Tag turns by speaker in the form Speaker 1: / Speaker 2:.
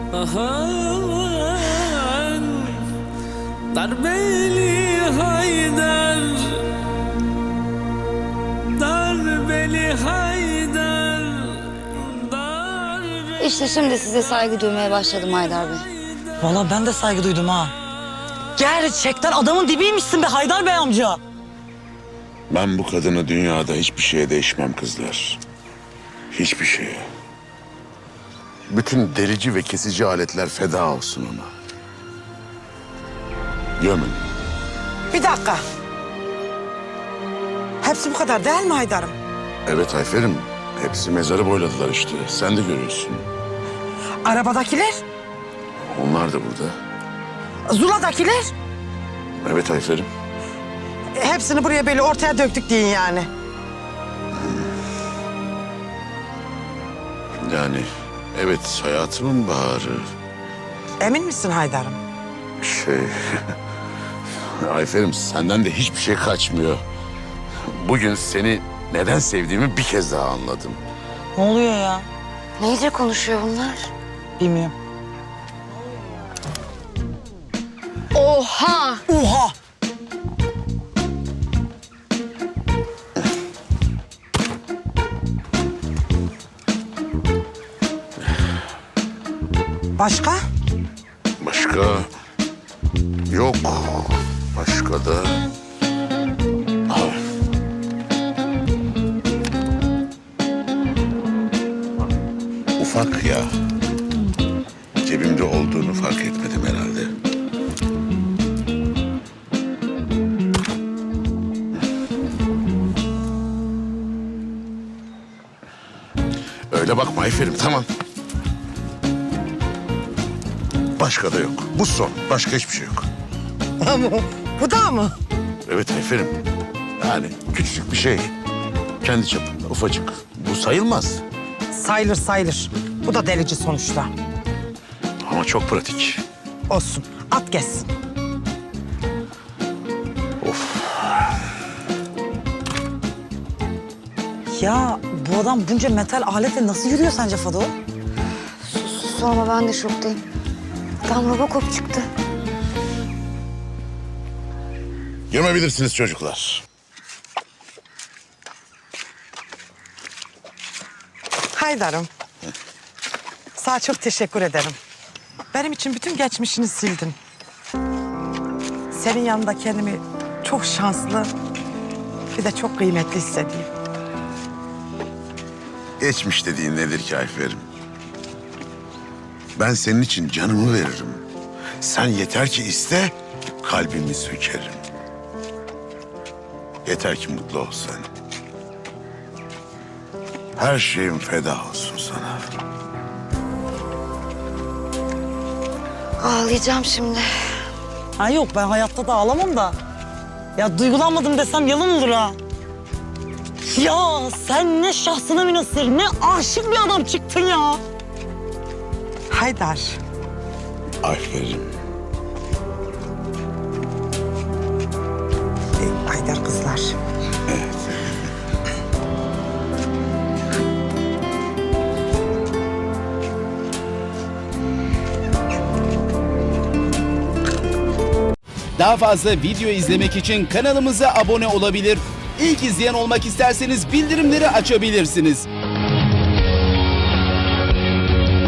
Speaker 1: ahan darbeli Haydar, darbeli Haydar, darbeli...
Speaker 2: İşte şimdi size saygı duymaya başladım Haydar Bey.
Speaker 3: Vallahi ben de saygı duydum ha. Gerçekten adamın dibiymişsin be Haydar Bey amca.
Speaker 4: Ben bu kadını dünyada hiçbir şeye değişmem kızlar. Hiçbir şeye. Bütün delici ve kesici aletler feda olsun ona. Gömün.
Speaker 5: Bir dakika. Hepsi bu kadar değil mi Haydar'ım?
Speaker 4: Evet Ayfer'im. Hepsi mezarı boyladılar işte. Sen de görüyorsun.
Speaker 5: Arabadakiler?
Speaker 4: Onlar da burada.
Speaker 5: Zula'dakiler?
Speaker 4: Evet Ayfer'im.
Speaker 5: Hepsini buraya böyle ortaya döktük deyin yani.
Speaker 4: Yani evet hayatımın baharı.
Speaker 5: Emin misin Haydar'ım?
Speaker 4: Ayfer'im senden de hiçbir şey kaçmıyor. Bugün seni neden sevdiğimi bir kez daha anladım.
Speaker 3: Ne oluyor ya?
Speaker 2: Neyce konuşuyor bunlar?
Speaker 3: Bilmiyorum.
Speaker 2: Oha!
Speaker 3: Oha!
Speaker 5: Başka?
Speaker 4: Başka yok. Başka da... Ah. Ufak ya. Cebimde olduğunu fark etmedim herhalde. Öyle bakma Ayfer'im, tamam. Başka da yok. Bu son. Başka hiçbir şey yok.
Speaker 5: Bu da mı?
Speaker 4: Evet Ayfer'im. Yani küçücük bir şey. Kendi çapında ufacık. Bu sayılmaz.
Speaker 5: Sayılır sayılır. Bu da delici sonuçta.
Speaker 4: Ama çok pratik.
Speaker 5: Olsun. At gelsin.
Speaker 4: Of.
Speaker 3: Ya bu adam bunca metal aletle nasıl yürüyor sence Fado?
Speaker 2: Sorma, ben de şoktayım. Adam Robocop çıktı.
Speaker 4: Gömebilirsiniz çocuklar.
Speaker 5: Haydar'ım. Sana çok teşekkür ederim. Benim için bütün geçmişini sildin. Senin yanında kendimi çok şanslı, bir de çok kıymetli hissediyorum.
Speaker 4: Geçmiş dediğin nedir ki Ayfer'im? Ben senin için canımı veririm. Sen yeter ki iste, kalbimi sökerim. Yeter ki mutlu ol sen. Her şeyim feda olsun sana.
Speaker 2: Ağlayacağım şimdi.
Speaker 3: Ha yok, ben hayatta da ağlamam da. Ya duygulanmadım desem yalan olur ha. Ya sen ne şahsına münhasır, ne aşık bir adam çıktın ya.
Speaker 5: Haydar.
Speaker 4: Ayfer'im.
Speaker 5: Haydar kızlar.
Speaker 6: Daha fazla video izlemek için kanalımıza abone olabilir. İlk izleyen olmak isterseniz bildirimleri açabilirsiniz.